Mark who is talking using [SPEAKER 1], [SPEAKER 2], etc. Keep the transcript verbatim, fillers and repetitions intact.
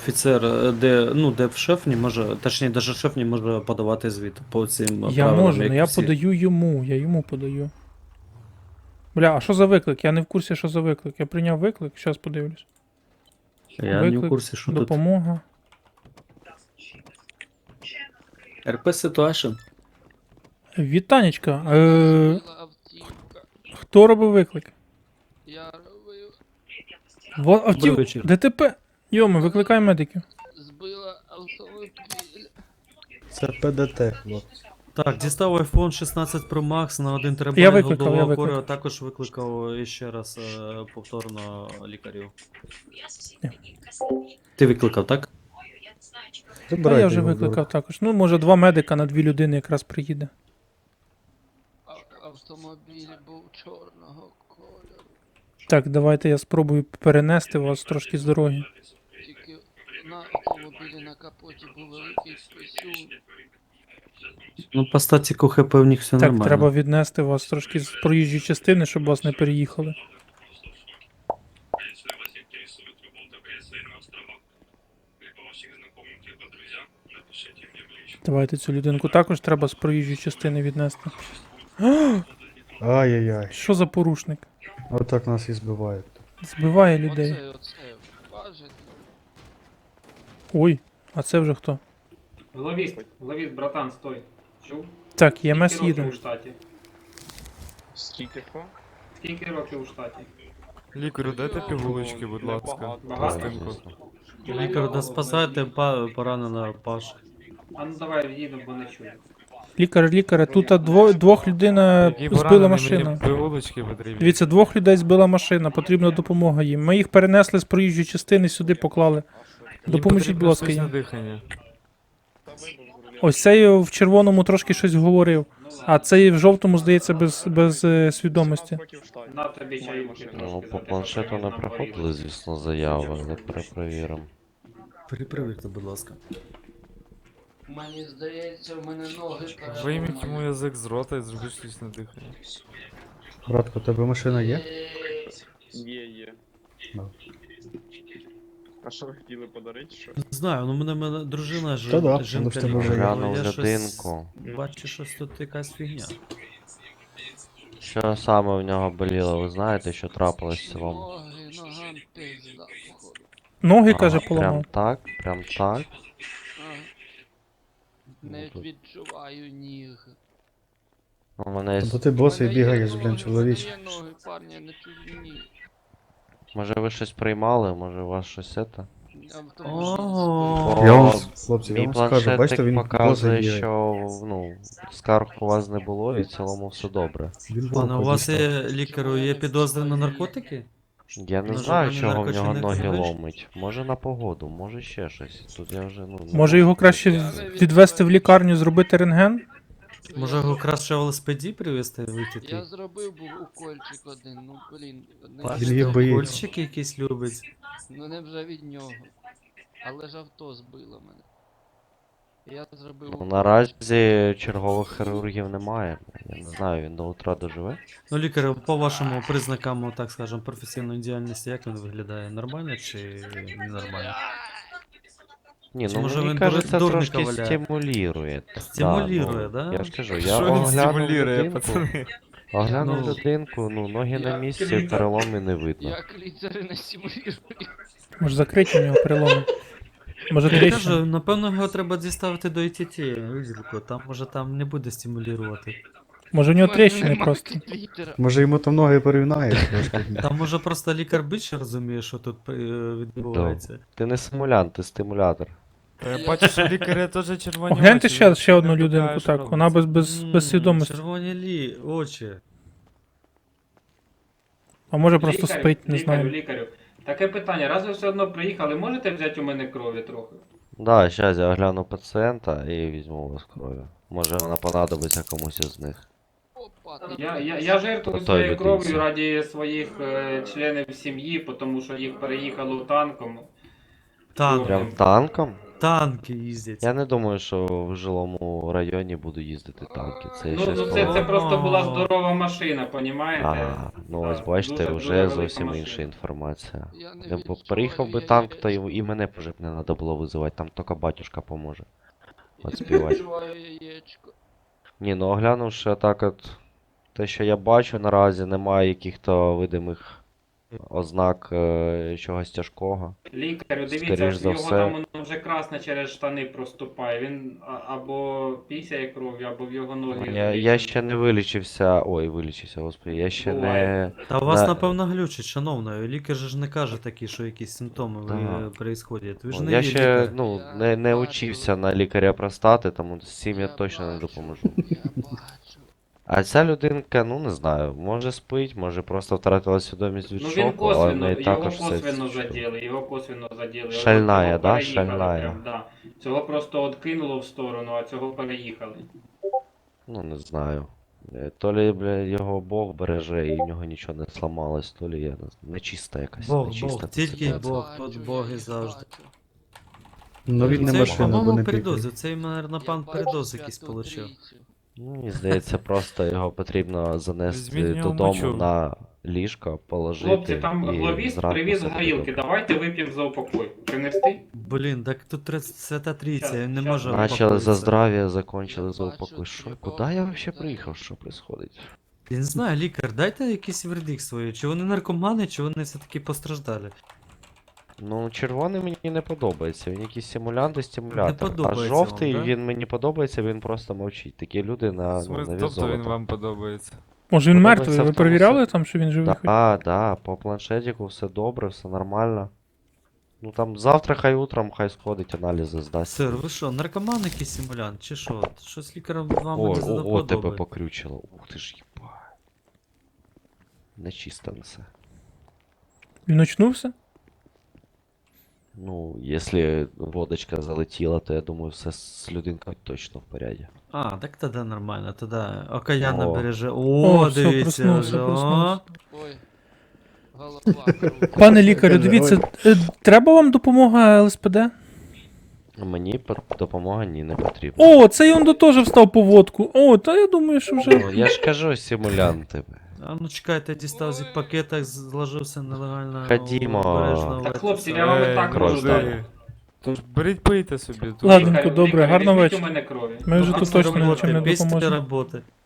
[SPEAKER 1] офіцер, е, де, ну, де шеф не може, точніше, навіть шеф не може подавати звіт по цим
[SPEAKER 2] Я
[SPEAKER 1] правилам,
[SPEAKER 2] можу,
[SPEAKER 1] як
[SPEAKER 2] але я
[SPEAKER 1] всі.
[SPEAKER 2] подаю йому, я йому подаю. Бля, а що за виклик? Я не в курсі, що за виклик. Я прийняв виклик, зараз подивлюсь.
[SPEAKER 1] Я не в
[SPEAKER 2] Виклик,
[SPEAKER 1] курсі, що тут.
[SPEAKER 2] допомога.
[SPEAKER 1] РП Situation.
[SPEAKER 2] Вітанечка, е,
[SPEAKER 3] Збила автівка.
[SPEAKER 2] хто робив виклик?
[SPEAKER 3] Я робив.
[SPEAKER 2] Во, автів...
[SPEAKER 1] Добрий вечір.
[SPEAKER 2] ДТП. Йоми, викликай медиків.
[SPEAKER 3] Збила автомобіль.
[SPEAKER 4] Це ПДТ, хлопці.
[SPEAKER 1] Так, дістав iPhone шістнадцять Pro Max на один терабайт
[SPEAKER 2] Я викликав, я
[SPEAKER 1] голдового
[SPEAKER 2] викликав.
[SPEAKER 1] кору, а також викликав ще раз е, повторно лікарів. Ти викликав, так?
[SPEAKER 2] Та
[SPEAKER 4] Забирайте
[SPEAKER 2] я вже
[SPEAKER 4] його,
[SPEAKER 2] викликав також. Ну, може, два медика на дві людини якраз приїде.
[SPEAKER 3] А- Автомобіль був чорного кольору.
[SPEAKER 2] Так, давайте я спробую перенести вас трошки з дороги.
[SPEAKER 3] Тільки на автомобілі на капоті був великий писюн.
[SPEAKER 1] Ну, по статіку ХП в них все
[SPEAKER 2] Так,
[SPEAKER 1] нормально.
[SPEAKER 2] треба віднести вас трошки з проїжджої частини, щоб вас не переїхали.
[SPEAKER 5] Если вас интересует работа в ГС на островах, либо ваших знакомых, либо друзья, напишите мне в личку.
[SPEAKER 2] Давайте цю людинку також треба з проїжджої частини віднести.
[SPEAKER 4] Ай-яй-яй.
[SPEAKER 2] Що за порушник?
[SPEAKER 4] Отак нас і збивають.
[SPEAKER 2] Збиває людей.
[SPEAKER 3] Оце, оце, важить.
[SPEAKER 2] Ой, а це вже хто?
[SPEAKER 6] Ловіст, ловіст, братан, стой. Чув?
[SPEAKER 2] Так, ЄМС
[SPEAKER 6] Скільки років
[SPEAKER 2] їде.
[SPEAKER 6] у штаті?
[SPEAKER 7] Скільки хто?
[SPEAKER 6] Скільки років у штаті?
[SPEAKER 8] Лікарю, дайте пігулочки, будь ласка.
[SPEAKER 6] Багато?
[SPEAKER 8] Пластинку.
[SPEAKER 1] Лікар, да спасайте па- пораненого Пашу.
[SPEAKER 6] А ну давай відійдемо, бо не чую.
[SPEAKER 2] Лікар, лікаре, тут дво, двох людей
[SPEAKER 8] Які
[SPEAKER 2] збила
[SPEAKER 8] поранені,
[SPEAKER 2] машина.
[SPEAKER 8] мені пігулочки потрібні.
[SPEAKER 2] Дивіться, двох людей збила машина, потрібна допомога їм. Ми їх перенесли з проїжджої частини, сюди поклали.
[SPEAKER 8] Їм
[SPEAKER 2] Допоможіть,
[SPEAKER 8] потрібно
[SPEAKER 2] будь ласка,
[SPEAKER 8] штучне
[SPEAKER 2] їм.
[SPEAKER 8] дихання.
[SPEAKER 2] Ось цей в червоному трошки щось говорив, а цей в жовтому, здається, без, без е, свідомості.
[SPEAKER 6] На тобі чаюки
[SPEAKER 9] Ну,
[SPEAKER 6] трошки
[SPEAKER 9] по
[SPEAKER 6] за те,
[SPEAKER 9] планшету
[SPEAKER 6] що
[SPEAKER 9] не
[SPEAKER 6] нам
[SPEAKER 9] приходили,
[SPEAKER 6] порізали.
[SPEAKER 9] звісно, заяви, але перепровіримо.
[SPEAKER 1] Перепровірте, будь ласка.
[SPEAKER 3] Мені здається, в мене ноги
[SPEAKER 8] Вийміть йому
[SPEAKER 3] переламані.
[SPEAKER 8] язик з рота і зробіть штучне дихання.
[SPEAKER 4] Братко, у тебе машина є?
[SPEAKER 7] Є, є.
[SPEAKER 4] Ну.
[SPEAKER 7] А що ви хотіли подарити? Що?
[SPEAKER 1] Не знаю, ну мене, мене дружина ж,
[SPEAKER 4] Та да,
[SPEAKER 1] жінка
[SPEAKER 4] воно ж тебе вже є.
[SPEAKER 1] лікар,
[SPEAKER 9] Глянув
[SPEAKER 1] я щось
[SPEAKER 9] людинку.
[SPEAKER 1] бачу, щось тут якась фігня.
[SPEAKER 9] Що саме в нього боліло, ви знаєте, що трапилось в цілому?
[SPEAKER 3] Ноги, ногам пизда, походу.
[SPEAKER 2] Ноги, каже,
[SPEAKER 9] Ага,
[SPEAKER 2] поламав.
[SPEAKER 9] прям так, прям так.
[SPEAKER 3] Ага. Не
[SPEAKER 9] тут-
[SPEAKER 3] відчуваю ніг.
[SPEAKER 9] У мене є...
[SPEAKER 4] То ти босий
[SPEAKER 3] Мене є
[SPEAKER 4] бігаєш,
[SPEAKER 3] ноги,
[SPEAKER 4] блін,
[SPEAKER 3] мене
[SPEAKER 4] чоловіч.
[SPEAKER 3] є ноги, парні, я не чую ніг.
[SPEAKER 9] Може ви щось приймали, може у вас щось це?
[SPEAKER 3] Автомобіль
[SPEAKER 1] О,
[SPEAKER 3] збив.
[SPEAKER 4] Я вам,
[SPEAKER 9] О,
[SPEAKER 4] хлопці, я
[SPEAKER 9] Мій
[SPEAKER 4] вам скажу,
[SPEAKER 9] планшетик
[SPEAKER 4] бачите, він босий
[SPEAKER 9] показує,
[SPEAKER 4] бігає.
[SPEAKER 9] що ну, скарг у вас не було і в цілому все добре.
[SPEAKER 4] Він
[SPEAKER 1] Пане, у
[SPEAKER 4] вовка
[SPEAKER 1] вас
[SPEAKER 4] дістав.
[SPEAKER 1] є лікарю, є підозри на наркотики?
[SPEAKER 9] Я не
[SPEAKER 1] На
[SPEAKER 9] знаю,
[SPEAKER 1] жодні
[SPEAKER 9] чого в нього
[SPEAKER 1] наркотики не
[SPEAKER 9] ноги
[SPEAKER 1] знаєш?
[SPEAKER 9] ломить. Може на погоду, може ще щось. Тут я вже ну. не
[SPEAKER 2] Може його краще відвести в лікарню, зробити рентген?
[SPEAKER 1] Може його краще в ЛСПД привезти і витягти?
[SPEAKER 3] Я зробив був укольчик один, ну блін. не
[SPEAKER 1] Бачите,
[SPEAKER 4] Він
[SPEAKER 3] від
[SPEAKER 4] їх
[SPEAKER 3] того.
[SPEAKER 4] боїться.
[SPEAKER 1] Кольчик якийсь любить.
[SPEAKER 3] Ну не вже від нього. Але ж авто збило мене. Я зробив
[SPEAKER 9] Ну,
[SPEAKER 3] укол.
[SPEAKER 9] наразі чергових хірургів немає. Я не знаю, він до утра доживе.
[SPEAKER 1] Ну, лікар, по вашому признакам, так скажем, професійної діяльності, як він виглядає? Нормально чи ненормально?
[SPEAKER 9] Ні,
[SPEAKER 1] Чи
[SPEAKER 9] ну
[SPEAKER 1] може
[SPEAKER 9] мені
[SPEAKER 1] він
[SPEAKER 9] кажеться,
[SPEAKER 1] дурника
[SPEAKER 9] трошки
[SPEAKER 1] валяє?
[SPEAKER 9] стимулює.
[SPEAKER 1] Стимулює,
[SPEAKER 9] да?
[SPEAKER 1] да?
[SPEAKER 9] Ну, я ж кажу, я
[SPEAKER 8] Що він
[SPEAKER 9] оглянув
[SPEAKER 8] стимулює,
[SPEAKER 9] людинку,
[SPEAKER 8] пацани?
[SPEAKER 9] оглянув
[SPEAKER 1] Ну,
[SPEAKER 9] людинку, ну ноги на
[SPEAKER 3] я-
[SPEAKER 9] місці, переломи не видно.
[SPEAKER 3] Як ліцери не стимулюють.
[SPEAKER 2] Може закриті у нього переломи. Може
[SPEAKER 1] Я
[SPEAKER 2] тріщина?
[SPEAKER 1] кажу, напевно, його треба діставити до ІТТ, відділку, там може там не буде стимулювати.
[SPEAKER 2] Може у нього тріщини просто.
[SPEAKER 4] Може йому там ноги порівняє трошки.
[SPEAKER 1] Там може просто лікар більше розуміє, що тут е, відбувається.
[SPEAKER 9] Ти не симулянт, ти стимулятор.
[SPEAKER 8] Та я бачу, що лікаря теж червоні
[SPEAKER 2] Огляньте
[SPEAKER 8] очі,
[SPEAKER 2] ще,
[SPEAKER 8] він
[SPEAKER 2] ще одну
[SPEAKER 8] не
[SPEAKER 2] людинку,
[SPEAKER 8] вдягає, що
[SPEAKER 2] так, вона
[SPEAKER 8] робиться.
[SPEAKER 2] без, без,
[SPEAKER 1] М,
[SPEAKER 2] без свідомості.
[SPEAKER 1] Червоні лі, очі.
[SPEAKER 2] А може просто
[SPEAKER 6] Лікарю,
[SPEAKER 2] спить, не
[SPEAKER 6] лікарю,
[SPEAKER 2] знаю.
[SPEAKER 6] лікарю. Таке питання, раз ви все одно приїхали, можете взяти у мене крові трохи?
[SPEAKER 9] Да, зараз я огляну пацієнта і візьму у вас крові. Може вона понадобиться комусь із них.
[SPEAKER 3] Опа,
[SPEAKER 6] Я, я, я жертвую
[SPEAKER 9] Отой
[SPEAKER 6] своєю
[SPEAKER 9] людинці.
[SPEAKER 6] кров'ю раді своїх е, членів сім'ї, тому що їх переїхало танком.
[SPEAKER 1] Танк.
[SPEAKER 9] Прям танком?
[SPEAKER 1] танки їздять.
[SPEAKER 9] Я не думаю, що в жилому районі буду їздити танки. Це
[SPEAKER 6] Ну,
[SPEAKER 9] щось
[SPEAKER 6] ну
[SPEAKER 9] по-
[SPEAKER 6] це, це просто була здорова машина, понімаєте?
[SPEAKER 9] А, ну ось
[SPEAKER 6] Так,
[SPEAKER 9] бачите,
[SPEAKER 6] дуже- дуже
[SPEAKER 9] вже
[SPEAKER 6] велика
[SPEAKER 9] зовсім
[SPEAKER 6] машина.
[SPEAKER 9] інша інформація.
[SPEAKER 3] Я не
[SPEAKER 9] Я б
[SPEAKER 3] відчуваю,
[SPEAKER 9] приїхав би
[SPEAKER 3] я
[SPEAKER 9] танк,
[SPEAKER 3] її
[SPEAKER 9] то й,
[SPEAKER 3] відчуваю.
[SPEAKER 9] і мене б вже б не треба було визивати, там тільки батюшка поможе.
[SPEAKER 3] Я
[SPEAKER 9] От співати.
[SPEAKER 3] відчуваю яєчко.
[SPEAKER 9] Ні, ну оглянувши так от те, що я бачу наразі, немає яких-то видимих ознак е, чогось тяжкого.
[SPEAKER 6] Лікарю,
[SPEAKER 9] Скоріш
[SPEAKER 6] дивіться,
[SPEAKER 9] за
[SPEAKER 6] його
[SPEAKER 9] все.
[SPEAKER 6] там воно вже красне через штани проступає. Він а- або пісяє кров'ю, або в його ноги.
[SPEAKER 9] Я, я ще не вилічився. Ой, вилічився, господи, я ще не.
[SPEAKER 6] Буває.
[SPEAKER 1] Та у вас,
[SPEAKER 9] на-
[SPEAKER 1] напевно, глючить, шановна. Лікар же ж не каже такі, що якісь симптоми ви
[SPEAKER 9] Да.
[SPEAKER 1] происходять. Ви ж
[SPEAKER 9] Ну,
[SPEAKER 1] не
[SPEAKER 9] я
[SPEAKER 1] є
[SPEAKER 9] ще
[SPEAKER 1] лікар.
[SPEAKER 9] ну,
[SPEAKER 3] Я
[SPEAKER 9] не, не
[SPEAKER 3] бачу.
[SPEAKER 9] учився на лікаря простати, тому з цим я
[SPEAKER 3] Я
[SPEAKER 9] точно не
[SPEAKER 3] бачу.
[SPEAKER 9] допоможу.
[SPEAKER 3] Я бачу.
[SPEAKER 9] А ця людинка, ну не знаю, може спить, може просто втратила свідомість від
[SPEAKER 6] Ну він
[SPEAKER 9] шоку, але в
[SPEAKER 6] косвенно,
[SPEAKER 9] неї
[SPEAKER 6] його
[SPEAKER 9] також все.
[SPEAKER 6] косвенно заділи, його косвенно заділи.
[SPEAKER 9] Шальная,
[SPEAKER 6] Цього
[SPEAKER 9] да?
[SPEAKER 6] переїхали
[SPEAKER 9] Шальная.
[SPEAKER 6] прям, да. Цього просто откинуло в сторону, а цього переїхали.
[SPEAKER 9] Ну не знаю. Е, То лі, бля, його Бог береже і в нього нічого не сламалось, то лі я не знаю, нечиста якась,
[SPEAKER 1] Бог,
[SPEAKER 9] нечиста
[SPEAKER 1] Бог, тільки
[SPEAKER 9] ситуація.
[SPEAKER 1] Бог,
[SPEAKER 3] Бачу,
[SPEAKER 1] тут
[SPEAKER 3] я
[SPEAKER 1] Боги
[SPEAKER 3] їх
[SPEAKER 1] завжди.
[SPEAKER 3] бачу.
[SPEAKER 4] Ну він не
[SPEAKER 1] Це,
[SPEAKER 4] машина, бо
[SPEAKER 1] по-моєму,
[SPEAKER 4] не
[SPEAKER 1] передоз.
[SPEAKER 4] пікає.
[SPEAKER 1] Цей, наверно,
[SPEAKER 3] Я
[SPEAKER 1] пан
[SPEAKER 3] бачу
[SPEAKER 1] передоз якийсь
[SPEAKER 3] Святу
[SPEAKER 1] получив.
[SPEAKER 3] Трійцю.
[SPEAKER 9] Ну, мені здається, просто його потрібно занести
[SPEAKER 8] Візьміть його
[SPEAKER 9] додому
[SPEAKER 8] мочу.
[SPEAKER 9] на ліжко, положити
[SPEAKER 6] Хлопці, там
[SPEAKER 9] і
[SPEAKER 6] главіст
[SPEAKER 9] зранку
[SPEAKER 6] привіз
[SPEAKER 9] все
[SPEAKER 6] горілки,
[SPEAKER 9] приготувати.
[SPEAKER 6] давайте вип'ємо за упокой. Принести?
[SPEAKER 1] Блін, так тут тре- Свята Трійця,
[SPEAKER 6] Щас,
[SPEAKER 1] він не
[SPEAKER 6] щас.
[SPEAKER 1] може
[SPEAKER 9] Начали за
[SPEAKER 1] упокоїтися.
[SPEAKER 9] здрав'я, закончили
[SPEAKER 3] Я
[SPEAKER 9] за
[SPEAKER 3] бачу,
[SPEAKER 9] упокой. Що?
[SPEAKER 3] якого
[SPEAKER 9] Куди я взагалі
[SPEAKER 3] взагалі.
[SPEAKER 9] приїхав? Що происходить?
[SPEAKER 1] Я не знаю, лікар, дайте якийсь вердикт свої. Чи вони наркомани, чи вони все-таки постраждали.
[SPEAKER 9] Ну, червоний мені не подобається. Він якийсь симулянт і стимулятор. А
[SPEAKER 1] подобається
[SPEAKER 9] жовтий,
[SPEAKER 1] вам, да?
[SPEAKER 9] він мені подобається, він просто мовчить. Такі люди на, ну,
[SPEAKER 8] Смисл,
[SPEAKER 9] на
[SPEAKER 8] тобто він
[SPEAKER 9] золото.
[SPEAKER 8] вам подобається.
[SPEAKER 2] Може він
[SPEAKER 9] Подобається
[SPEAKER 2] мертвий?
[SPEAKER 9] в
[SPEAKER 2] Ви
[SPEAKER 9] тому
[SPEAKER 2] перевіряли
[SPEAKER 9] сенсі.
[SPEAKER 2] там, що він живий? хоч?
[SPEAKER 9] Да, да, по планшетику все добре, все нормально. Ну там завтра хай утром, хай сходить, аналізи здасть.
[SPEAKER 1] Сир, ви що, наркоман якийсь симулянт, чи що? Щось лікарем вам
[SPEAKER 9] О,
[SPEAKER 1] не
[SPEAKER 9] о, о, тебе
[SPEAKER 1] задоподобає.
[SPEAKER 9] покрючило. Ух ти ж їба. Нечисто несе.
[SPEAKER 2] Він очнувся?
[SPEAKER 9] Ну, якщо водочка залетіла, то я думаю, все з людинкою точно в поряді.
[SPEAKER 1] А, так тоді нормально, тоді окаянно
[SPEAKER 9] О.
[SPEAKER 1] береже. О,
[SPEAKER 2] О, все,
[SPEAKER 1] дивіться
[SPEAKER 2] проснувся,
[SPEAKER 1] вже, о.
[SPEAKER 2] проснувся.
[SPEAKER 3] Ой. Голова кругом.
[SPEAKER 2] Пане лікарю,
[SPEAKER 4] Каже,
[SPEAKER 2] дивіться, е, треба вам допомога Л С П Д?
[SPEAKER 9] Мені по- допомога ні не потрібна.
[SPEAKER 2] О, цей он до теж встав по водку. О, та я думаю, що вже.
[SPEAKER 9] Ну, я ж кажу, симулянти.
[SPEAKER 1] А ну чекайте, дістав зі пакета, зложився нелегально.
[SPEAKER 9] Ходімо.
[SPEAKER 1] обережно в
[SPEAKER 6] Так,
[SPEAKER 1] це
[SPEAKER 6] хлопці,
[SPEAKER 1] все.
[SPEAKER 6] я вам і
[SPEAKER 8] Ей,
[SPEAKER 6] так
[SPEAKER 9] кров
[SPEAKER 6] можу
[SPEAKER 9] здаю.
[SPEAKER 6] дати.
[SPEAKER 8] Тож беріть пийте собі. тут.
[SPEAKER 2] Ладно.
[SPEAKER 6] Лікарю,
[SPEAKER 2] добре,
[SPEAKER 6] лікарю,
[SPEAKER 2] гарного
[SPEAKER 6] візьміть
[SPEAKER 2] вечора.
[SPEAKER 6] у мене крові.
[SPEAKER 2] Ми вже
[SPEAKER 1] Ну,
[SPEAKER 2] тут
[SPEAKER 1] після
[SPEAKER 2] точно
[SPEAKER 1] роботи,
[SPEAKER 2] нічим не
[SPEAKER 1] після
[SPEAKER 2] допоможемо.
[SPEAKER 1] роботи.